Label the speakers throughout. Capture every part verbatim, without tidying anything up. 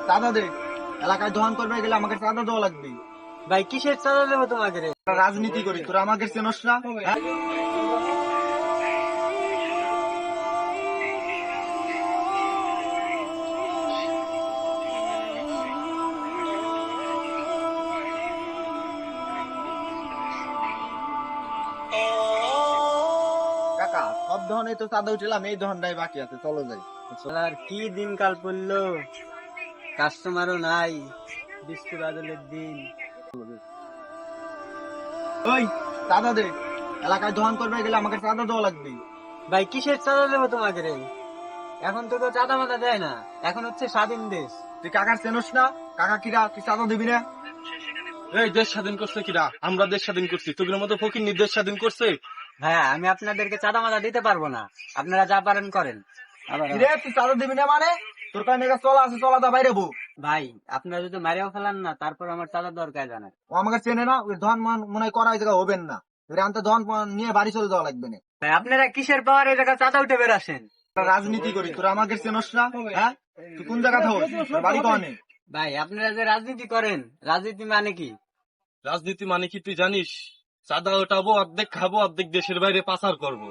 Speaker 1: চাঁদা দে। এলাকায় দোকান করবে গেলে আমাকে চাঁদা দেওয়া লাগবে।
Speaker 2: ভাই কিসের চাঁদা দেবো তোমাকে রে?
Speaker 1: রাজনীতি করি, তোরা আমাকে চেনস না? হ্যাঁ? কাকা, সব ধরনের তো চাঁদা উঠলাম, এই ধরনটাই বাকি আছে, চলো যাই।
Speaker 2: আর কি দিনকাল পড়লো, কাস্টমারও নাই, বিস্কুট আদলের দিন।
Speaker 1: ওই চাঁদা দে। এলাকায় দোকান করবে গেলে আমাকে চাঁদা দেওয়া লাগবে।
Speaker 2: ভাই কিসের চাঁদা দেবো তোমাকে রে? এখন তো কেউ চাঁদা মাদা দেয় না, এখন হচ্ছে স্বাধীন দেশ।
Speaker 1: তুই কাকার চেনস না? কাকা কিরা, তুই চাঁদা দিবি না?
Speaker 3: এই দেশ স্বাধীন করছে কিরা? আমরা দেশ স্বাধীন করছি, তোদের মতো ফকির দেশ স্বাধীন করছে?
Speaker 2: হ্যাঁ, আমি আপনাদেরকে চাঁদা মাদা দিতে পারবো না, আপনারা যা পারেন করেন। আবার
Speaker 1: কিরে, তুই চাঁদা দিবি না মানে? তোর কারণে একা চলা আছে, চলা দা বাইরে বউ।
Speaker 2: ভাই আপনারা যদি মারিয়াও ফেলান না, তারপর আমার চাঁদা দরকার জানেন।
Speaker 1: ও আমাকে চেনে না, ওই ধন মন- মনে হয় করা এই জায়গা হবেন না। এর আনতে ধন মন নিয়ে বাড়ি চলে যাওয়া লাগবে না।
Speaker 2: ভাই আপনারা কিসের পাওয়ার এই জায়গা চাঁদা উঠে বেরাসেন?
Speaker 1: আমরা রাজনীতি করি, তোরা আমাকে চেনস না? হ্যাঁ? তুই কোন জায়গা থাকো? তোর বাড়ি কনে?
Speaker 2: ভাই আপনারা যে রাজনীতি করেন, রাজনীতি মানে কি?
Speaker 3: রাজনীতি মানে কি তুই জানিস? চাঁদা ওঠাবো, অর্ধেক খাবো, অর্ধেক দেশের বাইরে পাচার করবো।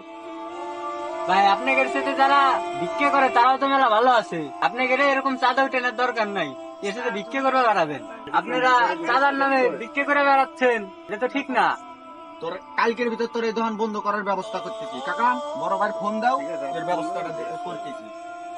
Speaker 2: ভাই আপনাদের সাথে যারা ভিক্ষে করে তারাও তো মেলা ভালো আছে, আপনাদের এরকম চাঁদা উঠানোর দরকার নাই, এর সাথে ভিক্ষে করে বেড়াবেন। আপনারা চাঁদার নামে ভিক্ষে করে বেড়াচ্ছেন, এটা তো ঠিক না।
Speaker 1: তোর কালকের ভিতর তোর এই দোকান বন্ধ করার ব্যবস্থা করতেছি। কাকা, বড় ভাই ফোন দাও, এর ব্যবস্থাটা দে- করতেছি।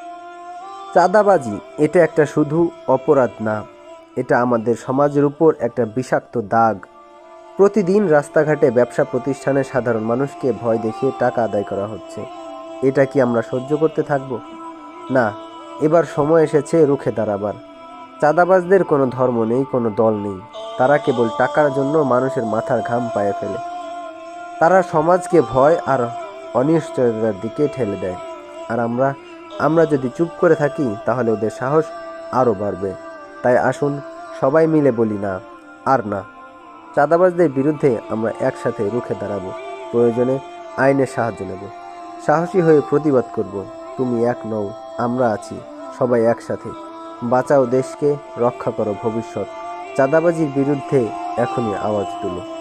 Speaker 4: চাঁদাবাজি এটা একটা শুধু অপরাধ না, এটা আমাদের সমাজের উপর একটা বিষাক্ত দাগ। প্রতিদিন রাস্তাঘাটে ব্যবসা প্রতিষ্ঠানে সাধারণ মানুষকে ভয় দেখিয়ে টাকা আদায় করা হচ্ছে। এটা কি আমরা সহ্য করতে থাকব? না, এবার সময় এসেছে রুখে দাঁড়াবার। চাঁদাবাজদের কোনো ধর্ম নেই, কোনো দল নেই। তারা কেবল টাকার জন্য মানুষের মাথার ঘাম পায়ে ফেলে। তারা সমাজকে ভয় আর অনিশ্চয়তার দিকে ঠেলে দেয়। আর আমরা আমরা যদি চুপ করে থাকি তাহলে ওদের সাহস আরও বাড়বে। তাই আসুন সবাই মিলে বলি না, আর না। চাঁদাবাজদের বিরুদ্ধে আমরা একসাথে রুখে দাঁড়াবো, প্রয়োজনে আইনের সাহায্য নেব, সাহসী হয়ে প্রতিবাদ করব। তুমি এক নও, আমরা আছি, সবাই একসাথে। বাঁচাও দেশকে, রক্ষা করো ভবিষ্যৎ। চাঁদাবাজির বিরুদ্ধে এখনই আওয়াজ তুলো।